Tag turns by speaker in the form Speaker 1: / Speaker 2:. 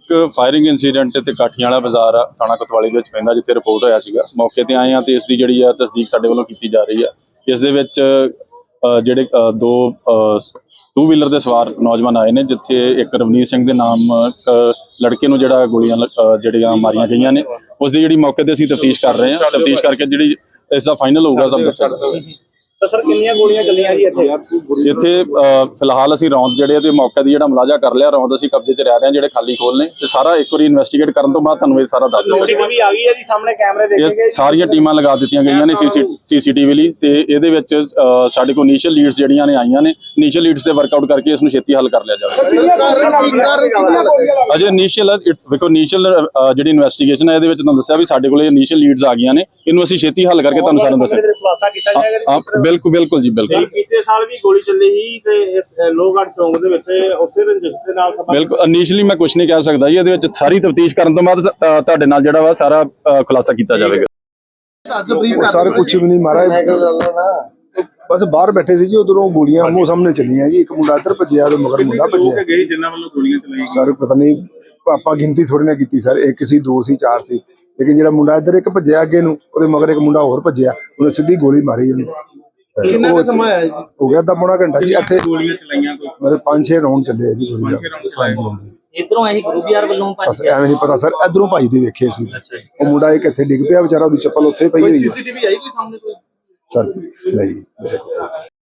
Speaker 1: एक firing incident ते काठियां वाला बाजार आ थाणा कोतवाली दे विच पैंदा जिੱਥੇ रिपोर्ट होया सीगा मौके ते आए हैं ते इसकी जिहड़ी आ तस्दीक साडे ਵੱਲੋਂ ਕੀਤੀ जा रही है। इस दे विच ਜਿਹੜੇ दो टू व्हीलर ਦੇ ਸਵਾਰ ਨੌਜਵਾਨ ਆਏ ਨੇ ਜਿੱਥੇ ਇੱਕ ਰਵਨੀਤ ਸਿੰਘ ਦੇ ਨਾਮ ਲੜਕੇ ਨੂੰ ਜਿਹੜਾ ਗੋਲੀਆਂ ਜਿਹੜੀਆਂ ਮਾਰੀਆਂ ਗਈਆਂ ਨੇ ਉਸ ਦੀ ਜਿਹੜੀ ਮੌਕੇ ਤੇ ਅਸੀਂ ਤਫਤੀਸ਼ ਕਰ ਰਹੇ ਹਾਂ। ਤਫਤੀਸ਼ ਕਰਕੇ ਜਿਹੜੀ ਇਸ ਦਾ ਫਾਈਨਲ ਹੋਊਗਾ ਸਭ ਦੱਸਾਂਗੇ।
Speaker 2: ਤਾਂ ਸਰ ਕਿੰਨੀਆਂ ਗੋਲੀਆਂ ਚੱਲੀਆਂ ਜੀ
Speaker 1: ਇੱਥੇ ਫਿਲਹਾਲ ਅਸੀਂ ਰੌਂਦ ਜਿਹੜੇ ਤੇ ਮੌਕੇ ਦੀ ਜਿਹੜਾ ਮੁਲਾਜ਼ਾ ਕਰ ਲਿਆ ਰੌਂਦ ਅਸੀਂ ਕਬਜ਼ੇ 'ਚ ਰਹਿ ਰਹੇ ਹਾਂ ਜਿਹੜੇ ਖਾਲੀ ਖੋਲ ਨੇ ਤੇ ਸਾਰਾ ਇੱਕ ਵਾਰੀ ਇਨਵੈਸਟੀਗੇਟ ਕਰਨ ਤੋਂ ਬਾਅਦ ਤੁਹਾਨੂੰ ਇਹ ਸਾਰਾ ਦੱਸ ਦਿਆਂਗੇ।
Speaker 2: ਸੀਸੀਟੀਵੀ ਆ ਗਈ ਹੈ ਜੀ ਸਾਹਮਣੇ ਕੈਮਰੇ ਦੇਖੇ ਗਏ
Speaker 1: ਸਾਰੀਆਂ ਟੀਮਾਂ ਲਗਾ ਦਿੱਤੀਆਂ ਗਈਆਂ ਨੇ ਸੀਸੀਟੀਵੀ ਲਈ ਤੇ ਇਹਦੇ ਵਿੱਚ ਸਾਡੇ ਕੋਲ ਇਨੀਸ਼ੀਅਲ ਲੀਡਸ ਜਿਹੜੀਆਂ ਨੇ ਆਈਆਂ ਨੇ ਇਨੀਸ਼ੀਅਲ ਲੀਡਸ ਤੇ ਵਰਕਆਊਟ ਕਰਕੇ ਇਸ ਨੂੰ ਛੇਤੀ ਹੱਲ ਕਰ ਲਿਆ ਜਾਵੇਗਾ। ਅਜੇ ਇਨੀਸ਼ੀਅਲ ਵੇਖੋ ਇਨੀਸ਼ੀਅਲ ਜਿਹੜੀ ਇਨਵੈਸਟੀਗੇਸ਼ਨ ਹੈ ਇਹਦੇ ਵਿੱਚ ਤੁਹਾਨੂੰ ਦੱਸਿਆ ਵੀ ਸਾਡੇ ਕੋਲ ਇਨੀਸ਼ੀਅਲ ਲੀਡਸ ਆ ਗਈਆਂ ਨੇ ਇਹਨੂੰ ਅਸੀਂ ਛੇਤੀ ਹੱਲ ਕਰਕੇ ਤੁਹਾਨੂੰ ਸਾਰਿਆਂ ਨੂੰ ਦੱਸਾਂਗੇ।
Speaker 2: ਖੁਲਾਸਾ ਕੀਤਾ ਜਾਏਗਾ।
Speaker 1: ਬਿਲਕੁਲ ਜੀ ਬਿਲਕੁਲ।
Speaker 3: ਪਿਛਲੇ ਸਾਲ ਵੀ ਗੋਲੀ ਚੱਲੀ ਸੀ ਤੇ ਲੋਹਗੜ੍ਹ ਚੌਂਕ ਦੇ ਵਿੱਚ ਉਸੇ ਰੰਜਿਸ਼ ਦੇ ਨਾਲ
Speaker 1: ਬਿਲਕੁਲ ਇਨੀਸ਼ੀਅਲੀ ਮੈਂ ਕੁਝ ਨਹੀਂ ਕਹਿ ਸਕਦਾ ਜੀ ਇਹਦੇ ਵਿੱਚ ਸਾਰੀ ਤਫਤੀਸ਼ ਕਰਨ ਤੋਂ ਬਾਅਦ ਤੁਹਾਡੇ ਨਾਲ ਜਿਹੜਾ ਵਾ ਸਾਰਾ ਖੁਲਾਸਾ ਕੀਤਾ ਜਾਵੇਗਾ।
Speaker 4: ਸਰ ਕੁਝ ਵੀ ਨਹੀਂ ਮਾਰਾ ਬਸ ਬਾਹਰ ਬੈਠੇ ਸੀ ਜੀ ਉਧਰੋਂ ਗੋਲੀਆਂ ਮੂੰਹ ਸਾਹਮਣੇ ਚੱਲੀਆਂ ਜੀ ਇੱਕ ਮੁੰਡਾ ਇੱਧਰ ਭੱਜਿਆ ਤੇ ਮਗਰ ਮੁੰਡਾ ਭੱਜਿਆ
Speaker 3: ਗਏ ਜਿਨ੍ਹਾਂ ਵੱਲੋਂ ਗੋਲੀਆਂ ਚਲਾਈਆਂ
Speaker 4: ਸਰ ਪਤਾ ਨਹੀਂ ਆਪਾਂ ਗਿਣਤੀ ਥੋੜੀ ਨਾ ਕੀਤੀ ਸਰ ਇੱਕ ਸੀ ਦੋ ਸੀ ਚਾਰ ਸੀ ਲੇਕਿਨ ਜਿਹੜਾ ਮੁੰਡਾ ਇੱਧਰ ਇੱਕ ਭੱਜਿਆ ਅੱਗੇ ਨੂੰ ਉਹਦੇ ਮਗਰ ਇੱਕ ਮੁੰਡਾ ਹੋਰ ਭੱਜਿਆ ਉਹਨੇ ਸਿੱਧੀ ਗੋਲੀ ਮਾਰੀ ਉਹਨੂੰ।
Speaker 3: ਕਿੰਨਾ ਕੁ ਸਮਾਂ ਆਇਆ ਜੀ
Speaker 4: ਹੋ ਗਿਆ ਅੱਧਾ ਪੌਣਾ ਘੰਟਾ ਜੀ ਇੱਥੇ
Speaker 3: ਗੋਲੀਆਂ ਚਲਾਈਆਂ ਕੋਈ
Speaker 4: ਮੇਰੇ 5-6 ਰਾਉਂਡ ਚੱਲੇ ਆ ਜੀ ਗੋਲੀਆਂ। ਹਾਂਜੀ
Speaker 2: ਇਧਰੋਂ ਅਸੀਂ ਗੁਰੂ ਯਾਰ ਵੱਲੋਂ
Speaker 4: ਬਸ ਐਵੇਂ ਨਹੀਂ ਪਤਾ ਸਰ ਇਧਰੋਂ ਭੱਜਦੇ ਵੇਖੇ ਸੀ ਉਹ ਮੁੰਡਾ ਇੱਕ ਇੱਥੇ ਡਿੱਗ ਪਿਆ ਵਿਚਾਰਾ ਉਹਦੀ ਚੱਪਲ ਉੱਥੇ ਪਈ ਹੋਈ
Speaker 3: ਸੀਸੀਟੀਵੀ ਆਈ ਕੋਈ ਸਾਹਮਣੇ ਕੋਈ
Speaker 4: ਸਰ ਨਹੀਂ